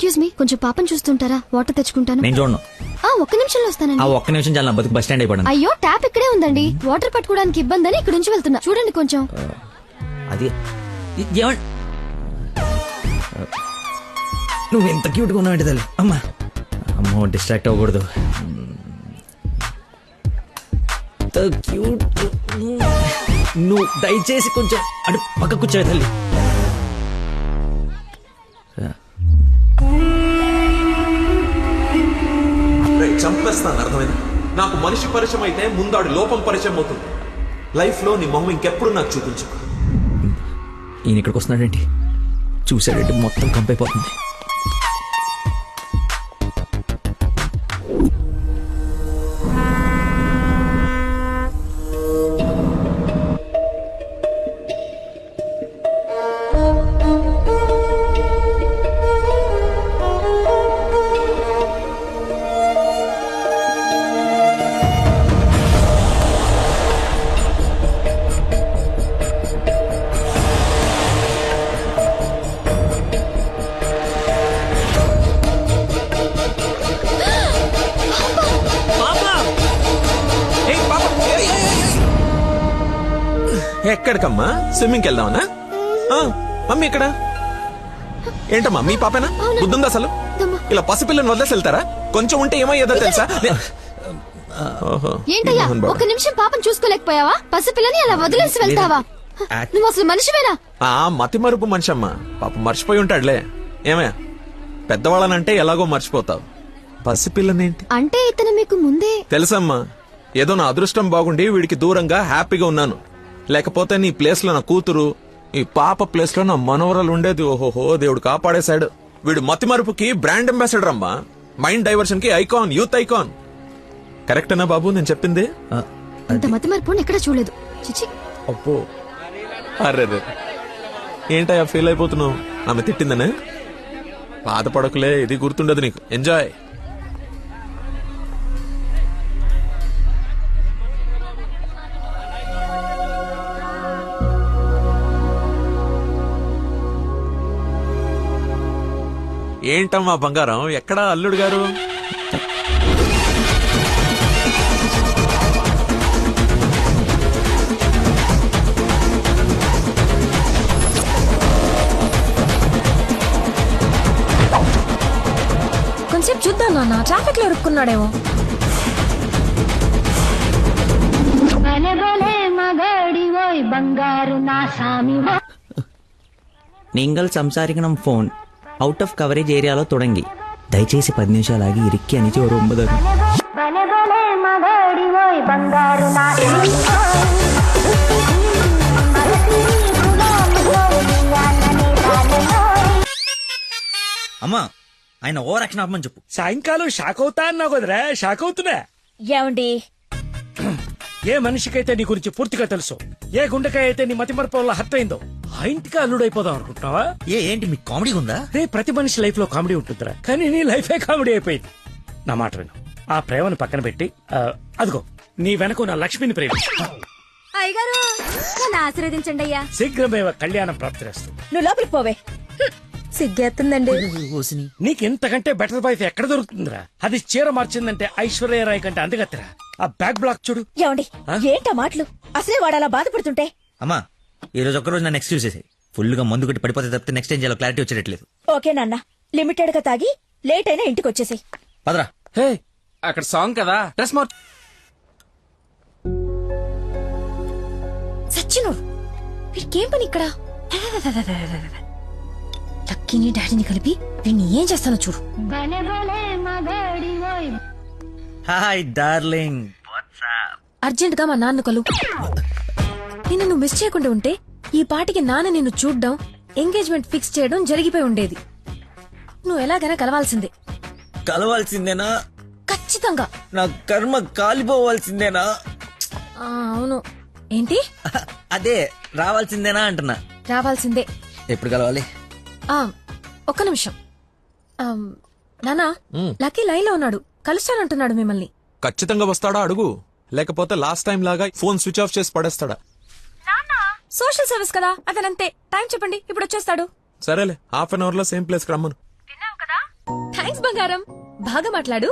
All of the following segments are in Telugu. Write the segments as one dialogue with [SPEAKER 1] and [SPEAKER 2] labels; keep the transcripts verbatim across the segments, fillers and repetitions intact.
[SPEAKER 1] ఎక్స్క్యూజ్ మీ, కొంచెం పాపం చూస్తుంటారా? వాటర్ తెచ్చుకుంటాను.
[SPEAKER 2] నేను చూడను.
[SPEAKER 1] ఆ ఒక్క నిమిషంలో వస్తానండి.
[SPEAKER 2] ఆ ఒక్క నిమిషం చాలా బతుకు బస్ స్టాండ్ అయిపోయాను.
[SPEAKER 1] అయ్యో ట్యాప్ ఇక్కడే ఉందండి. వాటర్ పట్టుకోవడానికి ఇబ్బంది అని ఇక్కడ నుంచి వెళ్తున్నా. చూడండి కొంచెం.
[SPEAKER 2] అది ఏమండి, నువ్వు ఎంత క్యూట్ గా ఉన్నావు తల్లి. అమ్మా అమ్మో, డిస్ట్రాక్ట్ అవ్వకూడదు. క్యూట్. నువ్వు దయచేసి కొంచెం అటు పక్క కూర్చోవే తల్లి.
[SPEAKER 3] చంపేస్తాను, అర్థమైంది? నాకు మనిషి పరిచయం అయితే ముందాడు లోపం పరిచయం అవుతుంది. లైఫ్ లో నీ మొహం ఇంకెప్పుడు నాకు చూపించు.
[SPEAKER 2] ఈయన ఇక్కడికి వస్తున్నాడేంటి? చూసాడంటే మొత్తం కంపైపోతుంది.
[SPEAKER 3] ఎక్కడికమ్మా? స్విమ్మింగ్కి వెళ్దామనా? మమ్మీ ఇక్కడ ఏంటమ్మా? మీ పాపేనా? బుద్ధుందా అసలు? ఇలా పసిపిల్లని వదిలేసి వెళ్తారా? కొంచెం ఉంటే ఏమయ్యేదో తెలుసా?
[SPEAKER 1] ఏంటయ్యా ఒక నిమిషం పాపం చూసుకోలేకపోయావా? పసిపిల్లని అలా వదిలేసి వెళ్తావా? నువ్వు అసలు మనిషివేనా?
[SPEAKER 3] ఆ మతి మరుపు మనిషి అమ్మా. పాప మర్చిపోయి ఉంటాడులే. ఏమే, పెద్దవాళ్ళనంటే ఎలాగో మర్చిపోతావు, పసిపిల్లనేంటి
[SPEAKER 1] అంటే ఇతను మీకు ముందే
[SPEAKER 3] తెలుసమ్మా. ఏదో నా అదృష్టం బాగుండి వీడికి దూరంగా హ్యాపీగా ఉన్నాను. లేకపోతే నీ ప్లేస్ లో నా కూతురు, ఈ పాప ప్లేస్ లో నా మనవరాలు ఉండేది. ఓహోహో, దేవుడు కాపాడేశాడు. వీడు మతి మరుపుకి బ్రాండ్ అంబాసిడర్ అమ్మా. మైండ్ డైవర్షన్ కి ఐకాన్, యూత్ ఐకాన్. కరెక్టేనా బాబు నేను చెప్పింది?
[SPEAKER 1] ఇంత మతి మరుపు ఎక్కడ చూడలేదు. చిచి.
[SPEAKER 3] అప్పో, అరే ఏంటయ్యా ఫీల్ అయిపోతున్నావు? ఆమె తిట్టిందనే? బాధపడకులే, ఇది గుర్తుండదు నీకు. ఎంజాయ్. ఏంటమ్మా బంగారం, ఎక్కడా అల్లుడు గారు?
[SPEAKER 1] కొంచెం చూద్దాం నాన్న, ట్రాఫిక్ లో ఇరుక్కున్నాడేమో.
[SPEAKER 2] നിങ്ങൾ സംസാരിക്കണം ഫോൺ ഔട്ട് ഓഫ് കവറേജ് ഏരിയలో തുടങ്ങി. దయచేసి పది నిమిషాలు ఆగి ఇరిక్కి అని ఒక ఒంబదు. అమ్మా, ఆయన ఓవర్ యాక్షన్ ఆపమని చెప్పు.
[SPEAKER 4] సాయంకాలం షాక్ అవుతా అన్నావు కదరా, షాక్ అవుతున్నా.
[SPEAKER 5] ఏమండి,
[SPEAKER 4] ఏ మనిషికైతే నీ గురించి పూర్తిగా తెలుసు, ఏ గుండెకాయ అయితే నీ మతి మరపు వల్ల హత్య అయిందో, ఆ ఇంటికి అల్లుడైపోదాం అనుకుంటున్నావా?
[SPEAKER 2] ఏ ఏంటి మీకు కామెడీ ఉందా?
[SPEAKER 4] రే, ప్రతి మనిషి లైఫ్ లో కామెడీ ఉంటుందిరా, కానీ నీ లైఫే కామెడీ అయిపోయింది. నా మాట విను, ఆ ప్రేమను పక్కన పెట్టి అదిగో నీ వెనక నా లక్ష్మిని ప్రేమ.
[SPEAKER 5] అయ్యగారు నన్ను ఆశీర్వదించండి అయ్యా.
[SPEAKER 4] శీఘ్రమేవ కళ్యాణం ప్రాప్తిరేస్తుంది.
[SPEAKER 5] నువ్వు లోపలికి పోవే. సిగ్గేస్తుందండి.
[SPEAKER 4] నీకెంతకంటే బెటర్ వైఫ్ ఎక్కడ దొరుకుతుందిరా? అది చీర మార్చిందంటే ఐశ్వర్యరాయ్ కంటే అందగత్తరా. ఆ బ్యాక్ బ్లాక్ చూడు.
[SPEAKER 5] ఏమండి, ఏంటా మాటలు? అసలే వాడు అలా బాధపడుతుంటే.
[SPEAKER 2] అమ్మా, ఈ రోజు ఒక్కరోజు నన్ను ఎక్స్క్యూజ్ చేసేది. ఫుల్ గా మందు కొట్టి పడిపోతే తప్పితే నెక్స్ట్ టైం చాలా క్లారిటీ వచ్చేటట్లేదు.
[SPEAKER 5] ఓకే నాన్న, లిమిటెడ్ గా తాగి లేట్ అయినా ఇంటికి వచ్చేసాయి.
[SPEAKER 2] పదరా.
[SPEAKER 6] హే, అక్కడ సాంగ్ కదా, డ్రెస్ మార్చ్.
[SPEAKER 1] సచ్చిను, వీడికేం పని ఇక్కడ? లక్కీని డాడీని కలిపి వీడిని ఏం చేస్తానో చూడు.
[SPEAKER 2] Hi darling.
[SPEAKER 1] అర్జెంట్ గా మా నాన్న కలు. నిన్ను నువ్వు మిస్ చేయకుండా ఉంటే ఈ పాటికి నాన్న నిన్ను చూడ్డం, ఎంగేజ్మెంట్ ఫిక్స్ చేయడం జరిగిపోయి ఉండేది. నువ్వు ఎలాగైనా కలవాల్సిందే.
[SPEAKER 2] కలవాల్సిందేనా?
[SPEAKER 1] ఖచ్చితంగా.
[SPEAKER 2] నా కర్మ కాలిపోవాల్సిందేనా?
[SPEAKER 1] అవును. ఏంటి?
[SPEAKER 2] అదే రావాల్సిందేనా అంటున్నా.
[SPEAKER 1] రావాల్సిందే.
[SPEAKER 2] ఎప్పుడు కలవాలి?
[SPEAKER 1] ఒక్క నిమిషం. నానా, లక్కీ లైన్ లో ఉన్నాడు, కలుస్తానంటున్నాడు మిమ్మల్ని.
[SPEAKER 3] ఖచ్చితంగా వస్తాడా అడుగు, లేకపోతే లాస్ట్ టైం లాగా ఫోన్ స్విచ్ ఆఫ్ చేసి పడేస్తాడా?
[SPEAKER 1] సోషల్ సర్వీస్ కదా, అతనంతే. టైం చెప్పండి, ఇప్పుడు వచ్చేస్తాడు.
[SPEAKER 3] సరేలే, హాఫ్ అన్ అవర్ లో సేమ్ ప్లేస్ కి రమ్మను.
[SPEAKER 1] థ్యాంక్స్ బంగారం. బాగా మాట్లాడు.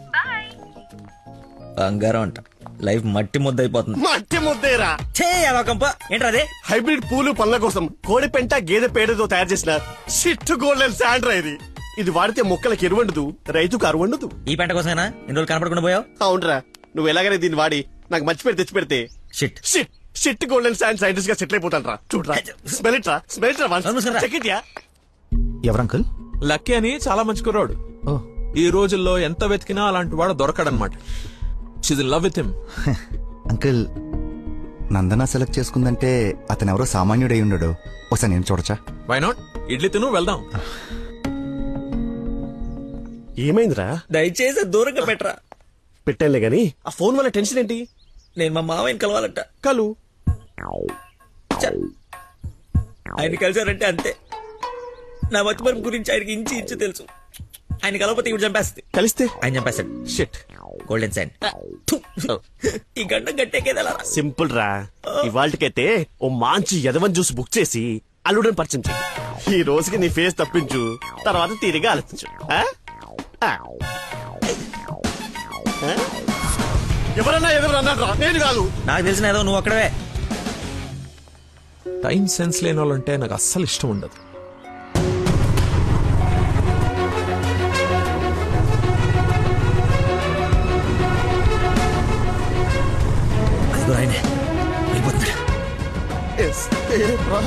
[SPEAKER 2] బంగారం అంట లైఫ్ మట్టి ముద్ద అయిపోతుంది.
[SPEAKER 7] మట్టి ముద్దేరా.
[SPEAKER 2] ఛే, అదొకంప. ఏంట్రా అదే?
[SPEAKER 7] హైబ్రిడ్ పూలు పండ్ల కోసం కోడి పెంట గేదె పేడతో తయారు చేసిన షిట్ గోల్డెన్ శాండ్రా ఇది. ఇది వాడితే మొక్కలకి ఎరువండదు, రైతుకు అరువండదు.
[SPEAKER 2] ఈ పంట కోసమేనా ఇన్ని రోజులు కనపడకుండా పోయావు?
[SPEAKER 7] అవునరా, నువ్వు ఎలాగైనా దీన్ని వాడి నాకు మంచి పేరు తెచ్చి పెడితే
[SPEAKER 2] shit.
[SPEAKER 7] Shit shit golden sand scientist గా సెటిల్ అయిపోతాను రా. చూడరా, స్మెల్ ఇట్ రా, స్మెల్ ఇట్ రా,
[SPEAKER 2] నమస్కారం.
[SPEAKER 7] Check it yeah.
[SPEAKER 8] ఎవరంకుల్?
[SPEAKER 3] లక్కీ అని చాలా మంచి కుర్రాడు. ఈ రోజుల్లో ఎంత వెతికినా అలాంటి వాడు దొరకడనమాట. She's in love with him.
[SPEAKER 8] Uncle, Nandana select చేసుకుందంటే అతను ఎవరో సామాన్యుడై ఉండడు. ఒకసారి నేను చూడచ్చా?
[SPEAKER 3] Why not? ఇడ్లీ తిను, వెళ్దాం.
[SPEAKER 7] ఏమైందిరా?
[SPEAKER 2] దయచేసి దూరంగా పెట్టరా.
[SPEAKER 7] పెట్టానులే గాని ఆ ఫోన్ వల్ల టెన్షన్ ఏంటి?
[SPEAKER 2] నేను మా మామయ్యని కలవాలంట.
[SPEAKER 7] కలు
[SPEAKER 2] చ్చ. ఆయన కలిసారంటే అంతే. నా మతిమరుపు గురించి ఆయనకి ఇంచి ఇంచు తెలుసు. ఆయన కలవకపోతే ఇప్పుడు చంపేస్తుంది.
[SPEAKER 7] కలిస్తే
[SPEAKER 2] ఆయన చంపేస్తాడు.
[SPEAKER 7] షిట్.
[SPEAKER 2] Golden sign. ఈ గంట గట్టేకేదలా.
[SPEAKER 7] సింపుల్ రా. ఇవాళకైతే ఓ మంచి యదవన్ జ్యూస్ బుక్ చేసి అల్లుడని పరిచయం చెయ్యి. ఈ రోజుకి నీ ఫేస్ తప్పించు, తర్వాత తీరిగా ఆలోచించు. ఆ? ఆ. ఆ? ఎవరన్నా ఎవరన్నా రా, నేను కాదు.
[SPEAKER 2] నాకు తెలిసిన ఏదో నువ్వు అక్కడవే.
[SPEAKER 3] టైం సెన్స్ లేని వాళ్ళంటే నాకు అస్సలు ఇష్టం ఉండదు.
[SPEAKER 2] అదిగో ఆయనే వెళ్ళిపోతున్నాడు.
[SPEAKER 7] Yes. ఏ, రా.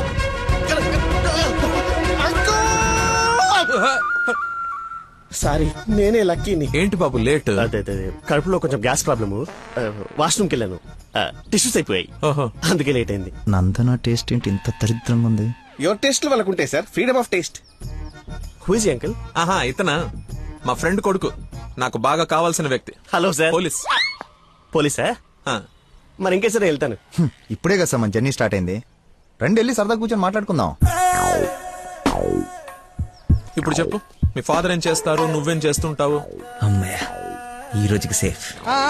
[SPEAKER 7] సారీ, నేనే లక్కీని.
[SPEAKER 3] ఏంటి బాబు లేట్?
[SPEAKER 7] అదే అదే కడుపులో కొంచెం గ్యాస్ ప్రాబ్లము. వాష్రూమ్కి వెళ్ళాను, టిష్యూస్ అయిపోయాయి,
[SPEAKER 3] ఓహో.
[SPEAKER 7] అందుకే లేట్ అయింది.
[SPEAKER 8] నందన టేస్ట్ ఏంటి ఇంత దరిద్రంగా ఉంది?
[SPEAKER 7] యువర్ టేస్ట్ వాళ్ళకు ఉంటాయి sir, freedom of taste. Who is uncle?
[SPEAKER 3] ఆహా, ఇతనా మా ఫ్రెండ్ కొడుకు, నాకు బాగా కావాల్సిన వ్యక్తి.
[SPEAKER 7] Hello sir.
[SPEAKER 3] పోలీస్.
[SPEAKER 7] పోలీసా?
[SPEAKER 3] ఆ,
[SPEAKER 7] మరి ఇంకే సరే వెళ్తాను.
[SPEAKER 8] హ్మ్, ఇప్పుడే కదా సార్ మన జర్నీ స్టార్ట్ అయింది. రండి వెళ్ళి సరదా కూర్చొని మాట్లాడుకుందాం.
[SPEAKER 3] ఇప్పుడు చెప్పు, మీ ఫాదర్ ఏం చేస్తారు, నువ్వేం చేస్తుంటావు?
[SPEAKER 2] అమ్మయ్య, ఈ రోజుకి సేఫ్.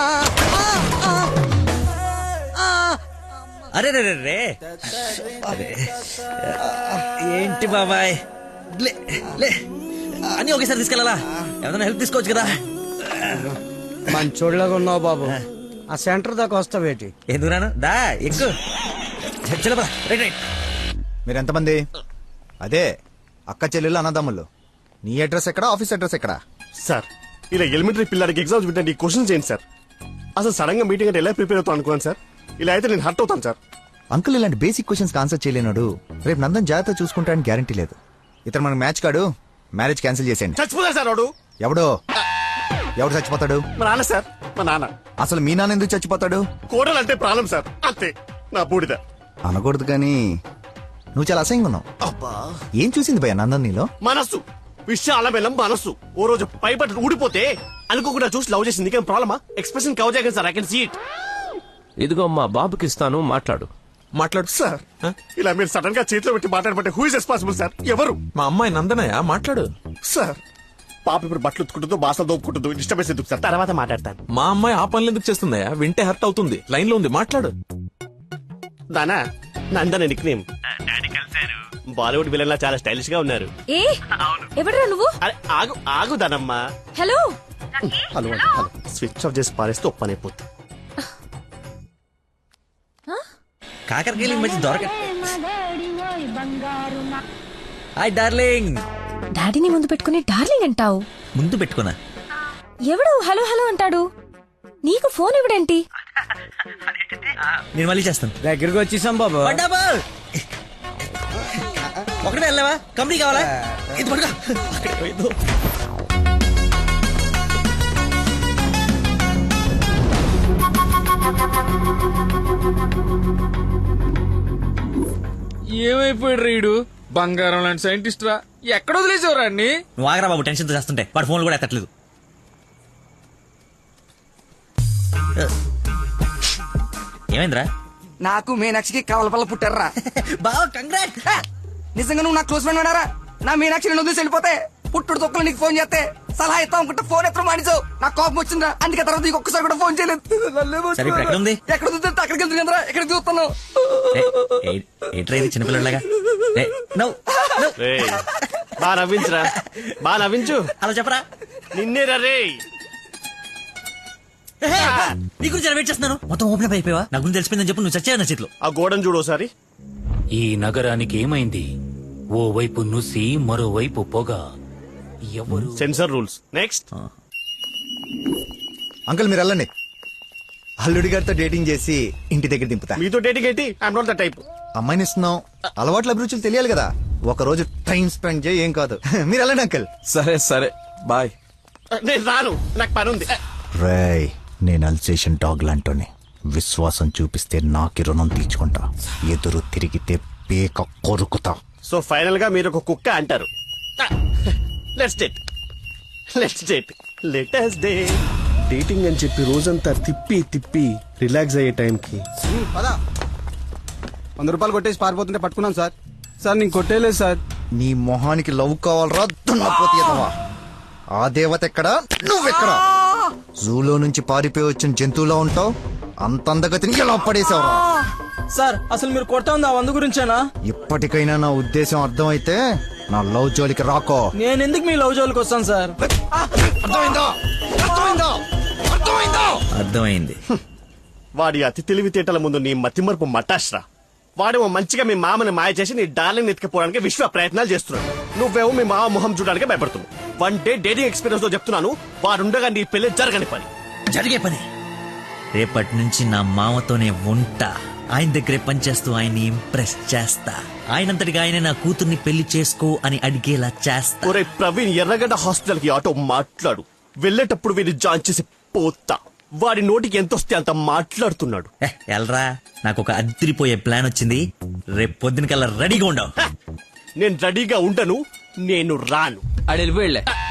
[SPEAKER 2] అరే రే రే రే. అరే, ఏంటి బాబాయ్, లే లే అని ఒకేసారి తీసుకెళ్ళాలా? ఏదైనా హెల్ప్ తీసుకోవచ్చు కదా.
[SPEAKER 9] మంచోళ్ళగా ఉన్నావు బాబు. ఆ సెంటర్ దాకా వస్తావేటి?
[SPEAKER 2] ఎందుకు రాను? దా ఎక్కు. చలో పద. Right right.
[SPEAKER 8] మీరు ఎంతమంది? అదే అక్క చెల్లెళ్ళు అన్నదమ్ముళ్ళు. నీ అడ్రస్ ఎక్కడ, ఆఫీస్ అడ్రస్ ఎక్కడ?
[SPEAKER 7] సార్, ఇలా ఎలిమెంటరీ పిల్లలకి ఎగ్జామ్స్ పెట్టండి, క్వశ్చన్స్ చేయండి సార్. అసలు సడన్ గా మీటింగ్ అంటే ఎలా ప్రిపేర్ అవుతాను అనుకున్నాను సార్. ఇలా అయితే నేను హర్ట్ అవుతాను సార్.
[SPEAKER 8] అంకుల్, ఇలాంటి బేసిక్ క్వశ్చన్స్ ఆన్సర్ చేయలేనాడు రేపు నందన్ జాగ్రత్త చూసుకుంటాడని గ్యారంటీ లేదు. ఇతను మనకు మ్యాచ్ కాడు, మ్యారేజ్ క్యాన్సిల్ చేసేయండి.
[SPEAKER 7] చచ్చిపోతా సార్ వాడు.
[SPEAKER 8] ఎవడో ఎవడు చచ్చిపోతాడు?
[SPEAKER 7] మా నాన్న సార్, మా నాన్న.
[SPEAKER 8] అసలు మీ నాన్న ఎందుకు చచ్చిపోతాడు?
[SPEAKER 7] కోడలు అంటే ప్రాణం సార్, అంతే. నా బూడిద.
[SPEAKER 8] అనకూడదు కానీ నువ్వు చాలా అసహ్యంగా ఉన్నావు.
[SPEAKER 7] అబ్బా,
[SPEAKER 8] ఏం చూసింది భయ నందన్ నీలో?
[SPEAKER 7] మనస్సు విశాల బెల్లం మనస్సు. ఓ రోజు పై బట్టలు ఊడిపోతే అనుకోకుండా చూసి లవ్ చేసింది. నీకేం ప్రాబ్లమా? ఎక్స్ప్రెషన్ కవర్ చేయగలను sir, I can see it.
[SPEAKER 6] ఇదిగో మా బాబుకి ఇస్తాను, మాట్లాడు.
[SPEAKER 3] మాట్లాడు
[SPEAKER 7] సార్,
[SPEAKER 3] ఆ?
[SPEAKER 7] ఇలా మీరు సడన్ గా చేతిలో పెట్టి మాట్లాడబట్టే హూ ఇస్ రెస్పాన్సిబుల్ సార్? ఎవరు?
[SPEAKER 3] మా అమ్మాయి నందనయ్య, మాట్లాడు.
[SPEAKER 7] సార్, పాప ఇప్పుడు బట్టలు ఉత్తుకుంటుందో బాసలు దోపుకుంటుందో డిస్టర్బెన్స్ ఎందుకు సార్? తర్వాత మాట్లాడతాను.
[SPEAKER 3] మా అమ్మాయి ఆ పనులు ఎందుకు చేస్తుందయ్యా? వింటే హర్ట్ అవుతుంది. లైన్ లో ఉంది, మాట్లాడు.
[SPEAKER 7] దానా Nandana nickname. Bollywood villain లా చాలా స్టైలిష్ గా ఉన్నారు.
[SPEAKER 1] ఏ ఎవడరా నువ్వు?
[SPEAKER 7] అరే ఆగు ఆగు దానమ్మా.
[SPEAKER 1] Hello.
[SPEAKER 7] Hello hello. Switch off చేసి పారేస్తే ఒప్పనైపోతుంది.
[SPEAKER 2] కాకరకాయలు ఈ మధ్య దొరక. Hi darling.
[SPEAKER 1] డాడీని ముందు పెట్టుకుని డార్లింగ్ అంటావు?
[SPEAKER 2] ముందు పెట్టుకున్నా.
[SPEAKER 1] ఎవడు హలో హలో అంటాడు? నీకు ఫోన్ ఇవ్వడేంటి?
[SPEAKER 2] నేను మళ్ళీ చేస్తాను.
[SPEAKER 9] దగ్గరికి వచ్చేసాం బాబు.
[SPEAKER 2] డబల్ ఒకటే వెళ్ళావా? కంపెనీ కావాలా? ఇది పడుకో. అక్కడికి పోయిందో.
[SPEAKER 6] ఏమైపోయాడు రీడు? బంగారం లాంటి సైంటిస్ట్ రా, ఎక్కడ వదిలేసేవరా అన్ని?
[SPEAKER 2] నువ్వు ఆగరా బాబు, టెన్షన్ తో చేస్తుంటే. వాడు ఫోన్లు కూడా ఎత్తట్లేదు. ఏమైందిరా?
[SPEAKER 9] నాకు మీనాక్షికి కవల పల్ల పుట్టారా?
[SPEAKER 2] బావ కంగ్రాట్.
[SPEAKER 9] నిజంగా నువ్వు నా క్లోజ్ ఫ్రెండ్ అన్నారా? నా మీనాక్షి నేను వదిలేసి వెళ్ళిపోతే పుట్టుడు తొక్కలు నీకు ఫోన్ చేస్తే సలహా ఇస్తాం అనుకుంటే ఫోన్ ఎత్తడం మానేసావు. నాకు కోపం వచ్చిందా, అందుకే తర్వాత నీకు ఒక్కసారి కూడా ఫోన్ చేయలేదు.
[SPEAKER 2] సరే ఇప్పుడు ఎక్కడ ఉంది?
[SPEAKER 9] ఎక్కడ చూస్తే అక్కడికి వెళ్తుంది కదరా, ఎక్కడ చూస్తున్నావు?
[SPEAKER 2] ఏంట్రా ఇది చిన్నపిల్లలాగా?
[SPEAKER 7] ఏయ్, బా నవ్వించురా, బా నవ్వించు.
[SPEAKER 2] అలా చెప్పరా.
[SPEAKER 7] నిన్నే రే.
[SPEAKER 2] నీ గురించి వెయిట్ చేస్తున్నాను. మొత్తం ఓపెన్ అప్ అయిపోయావా? నా గురించి తెలిసిపోయిందని చెప్పు. నువ్వు చచ్చావు నా చేతిలో.
[SPEAKER 7] ఆ గోడను చూడు ఒకసారి.
[SPEAKER 4] ఈ నగరానికి ఏమైంది? ఓ వైపు నుసి, మరోవైపు పొగ. ఎవరు?
[SPEAKER 7] Sensor rules. నెక్స్ట్.
[SPEAKER 8] అంకుల్ మీరు వెళ్ళండి. అల్లుడి గారితో డేటింగ్ చేసి ఇంటి దగ్గర దింపుతా.
[SPEAKER 7] మీతో డేటింగ్ ఏంటి? I'm not the type.
[SPEAKER 8] అమ్మాయిని ఇస్తున్నాం, అలవాట్ల అభిరుచులు తెలియాలి కదా. ఒక రోజు టైం స్పెండ్ చేయి, ఏం కాదు. మీరు వెళ్ళండి అంకుల్.
[SPEAKER 3] సరే సరే బాయ్.
[SPEAKER 7] నేను రాను, నాకు పని ఉంది.
[SPEAKER 8] రేయ్, నేను అల్సేషన్ డాగ్ లాంటోని. విశ్వాసం చూపిస్తే నాకి రుణం తీర్చుకుంటా, ఎదురు తిరిగితే పేక కొరుకుతా.
[SPEAKER 7] సో ఫైనల్ గా మీరు ఒక కుక్క అంటారు. Let's date, let's date, let us. Dating అని చెప్పి రోజంతా తిప్పి తిప్పి రిలాక్స్ అయ్యే టైంకి
[SPEAKER 9] వంద రూపాయలు కొట్టేసి పారిపోతుంటే పట్టుకున్నాం సార్. సార్ నేను కొట్టేలేదు సార్.
[SPEAKER 8] నీ మొహానికి లవ్ కావాలరా దున్నపోతీయదవా? ఆ దేవత ఎక్కడా, నువ్వెక్కడా? జూలో నుంచి పారిపోయి వచ్చిన జంతువులా ఉంటావు. అంత అందగతిని ఎలా పడేసావురా?
[SPEAKER 9] సార్ అసలు మీరు కొడతా ఉంది ఆ వంద గురించేనా?
[SPEAKER 8] ఇప్పటికైనా నా ఉద్దేశం అర్థమైతే నా లవ్ జోలికి రాకో.
[SPEAKER 9] నేను ఎందుకు మీ లవ్ జోలికి వస్తాను సార్?
[SPEAKER 8] అర్థమైందా? అర్థమైందా? అర్థమైందా?
[SPEAKER 2] అర్థమైంది.
[SPEAKER 7] వాడి అతి తెలివితేటల ముందు నీ మతిమరుపు మటాష్రా. వాడేమో మంచిగా మీ మామని మాయ చేసి నీ డార్లింగ్ ఎత్తుకుపోవడానికి విశ్వ ప్రయత్నాలు చేస్తున్నాడు. నువ్వేమో మీ మామ మొహం చూడడానికి భయపడుతున్నావు. వన్ డే డేటింగ్ ఎక్స్పీరియన్స్ తో చెప్తున్నాను, వాడుండగా నీ పెళ్లి జరగని పని.
[SPEAKER 2] జరిగే పని. రేపటి నుంచి నా మామతోనే ఉంటా. ఆయన దగ్గరే పనిచేస్తూ ఆయన్ని ఇంప్రెస్ చేస్తా. ఆయనంతటిగా ఆయన నా కూతుర్ని పెళ్లి చేసుకో అని అడిగేలా చేస్తా.
[SPEAKER 7] ఒరే ప్రవీణ్, ఎర్రగడ్డ హాస్పిటల్ కి ఆటో మాట్లాడు. వెళ్ళేటప్పుడు వీడిని జాయిన్ చేసి పోతా. వాడి నోటికి ఎంతొస్తే అంత మాట్లాడుతున్నాడు.
[SPEAKER 2] ఏ, ఎల్రా, నాకు ఒక అదిరిపోయే ప్లాన్ వచ్చింది. రేపు పొద్దున కల్లా రెడీగా ఉండవు.
[SPEAKER 7] నేను రెడీగా ఉండను, నేను రాను.
[SPEAKER 6] ఆడు వెళ్ళిపోయాడులే.